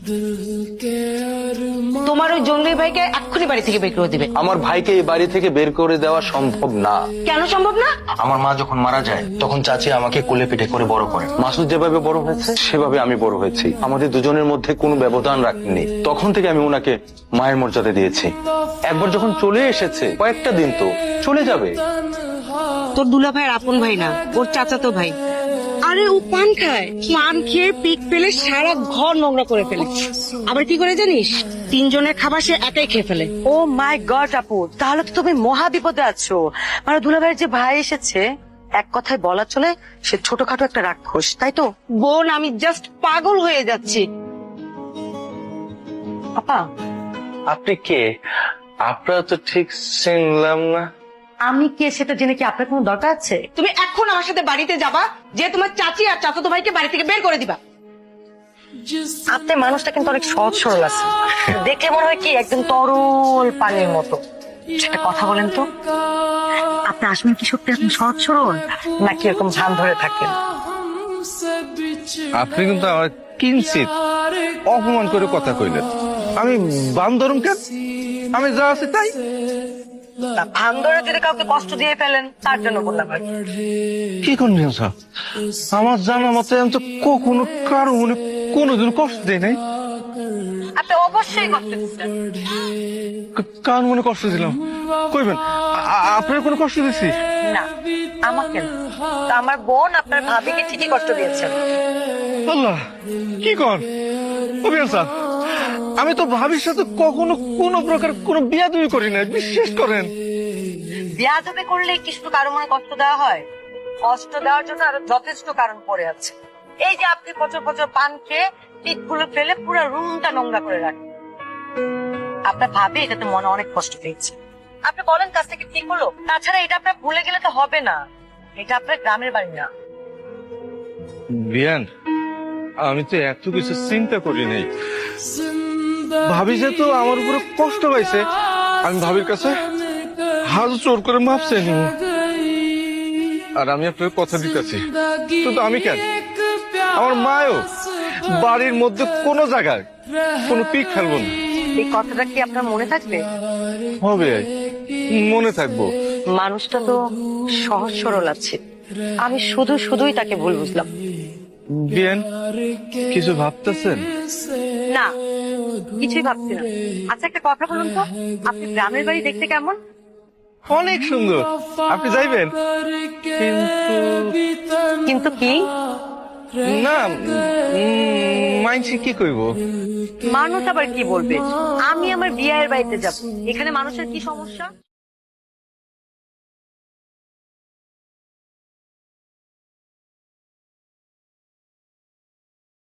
তোমার ওই জঙ্গলি ভাইকে এক্ষুনি বাড়ি থেকে বের করে দিবে। আমার ভাইকে এই বাড়ি থেকে বের করে দেওয়া সম্ভব না। কেন সম্ভব না? আমার মা যখন মারা যায় তখন চাচি আমাকে কোলে পিঠে করে বড় করে। মাসুদ যেভাবে বড় হয়েছে সেভাবে আমি বড় হয়েছি। আমাদের দুজনের মধ্যে কোনো ব্যবধান রাখেনি। তখন থেকে আমি ওনাকে মায়ের মর্যাদা দিয়েছি। একবার যখন চলে এসেছে, কয়েকটা দিন তো চলে যাবে। তোর দুলা ভাইয়ের আপন ভাই না, ওর চাচাতো ভাই। আরে ও পান খায়, পান খেয়ে পিক ফেলে সারা ঘর নোংরা করে ফেলে। আবার কি করে জানিস, তিনজনের খাবার সে একাই খেয়ে ফেলে। ও মাই গড আপু, তাহলে তো তুমি মহা বিপদে আছো। মানে দুলাভাইয়ের যে ভাই এসেছে, এক কথায় বলা চলে সে ছোটখাটো একটা রাক্ষস, তাই তো? বোন, আমি জাস্ট পাগল হয়ে যাচ্ছি। আপা, আপনি কে? আপনারা তো ঠিক চিনলাম না। আমি কে সেটা জেনে কি আপনার কোনো দরকার আছে? তুমি এখন আমার সাথে বাড়িতে যাবা, যে তোমার চাচি আর চাচাতো ভাইকে বাড়ি থেকে বের করে দিবা। আপনার মানুষটা কিন্তু অনেক সহজ সরল আছে, দেখলে মনে হয় কি একদম তরল পানির মতো। একটা কথা বলেন তো, আপনি আসবেন কি সত্যি এখন সহজ সরল, নাকি এরকম ঝান ধরে থাকেন? আপনি কিন্তু আমার কিঞ্চিত অপমান করে কথা কইলেন। আমি বান্দরম কেন? আমি যা আছি তাই। ভান ধরে যদি কাউকে কষ্ট দিয়ে ফেলেন তার জন্য বললাম আর কি। কি করলেন স্যার? আমার জানা মতে আমি তো কখনো কারো মনে কোনোদিন কষ্ট দেয় নাই। আপনি অবশ্যই কষ্ট দিচ্ছেন। কার মনে কষ্ট দিলাম কইবেন? আপনার কোনো কষ্ট দিছি? না, আমাকে না, তো আমার বোন আপনার ভাবিকে ঠিকই কষ্ট দিয়েছেন। আল্লাহ, কি কর অভিয়ান স্যার, আমি তো ভাবির সাথে কখনো কোনো প্রকার কোনো বিয়াদবি করি না, বিশ্বাস করেন। বিয়াদবি করলে কি শুধু কারো মনে কষ্ট দেওয়া হয়? কষ্ট দেওয়ার জন্য আরো যথেষ্ট কারণ পড়ে আছে। এই যে আপনি প্রচুর প্রচুর পান খেয়ে পিঠগুলো ফেলে পুরো রুমটা নোংরা করে রাখেন। আপনার ভাবি এটাতে মনে অনেক কষ্ট পেয়েছে। আপনি বলেন কাজ থেকে ঠিক হলো? তাছাড়া এটা আপনার ভুলে গেলে তো হবে না, এটা আপনার গ্রামের বাড়ি না। বিয়ান, আমি তো এত কিছু চিন্তা করি নাই। ভাবি যেহেতু আমার উপরে কষ্ট পাইছে, আমি ভাবির কাছে হাত জোর করে মাপ চাই নিব। আর আমি আপনার কথা দিতেছি, শুধু আমি কেন, আমার মায়ও বাড়ির মধ্যে কোনো জায়গায় কোনো পিক ফেলবো না। এই কথাটা কি আপনার মনে থাকবে? হবে, মনে থাকবো। মানুষটা তো সহজ সরল আছে, আমি শুধু শুধুই তাকে ভুল বুঝলাম। বিয়ান, কিছু ভাবতেছেন? না, কিছুই ভাবছি না। আচ্ছা একটা কথা বলুন তো, আপনি গ্রামের বাড়ি দেখতে কেমন? অনেক সুন্দর, আপনি যাইবেন? কিন্তু কি? না, মাইনসি কি কইব? মানুষ আবার কি বলবে? আমি আমার বিয়ের বাড়িতে যাব, এখানে মানুষের কি সমস্যা?